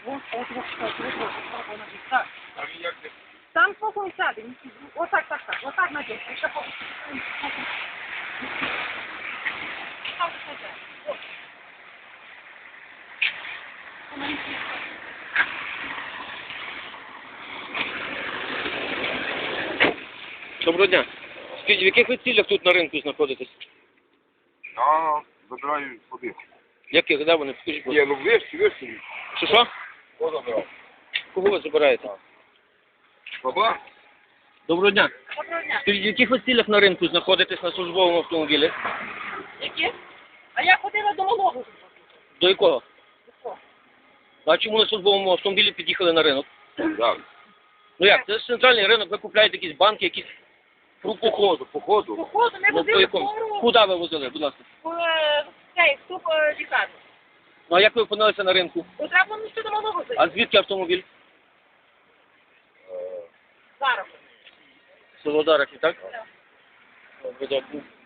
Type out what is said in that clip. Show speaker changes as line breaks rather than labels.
Так.
А він як не...
Там спокійно сяде. Отак, так. Отак надягни. Ще по... Там сяде. Ось.
Доброго дня. Скажіть, в яких ви цілях тут на ринку знаходитесь?
А, забираю сюди.
Яких, де вони? Скажіть, будь
Ні,
ласка.
ну вишки.
Що?
Хто забирав?
Кого ви забираєте?
Баба?
Доброго дня.
Доброго дня.
Скажіть, в яких ви цілях на ринку знаходитесь на службовому автомобілі?
Які? А я ходила до малого.
До якого? А чому на службовому автомобілі під'їхали на ринок?
Так.
Ну як, це ж центральний ринок, ви купляєте якісь банки, якісь фрукти.
Походу.
Походу, ми
Ну, по
возили
якому?
скору
Куди ви возили, будь ласка?
вступ лікарню.
Ну а як ви опинилися на ринку?
Бо треба було ще до малого зайти.
А звідки автомобіль?
Зараз.
Село Дарахів, так?
Так.
Добре, добре.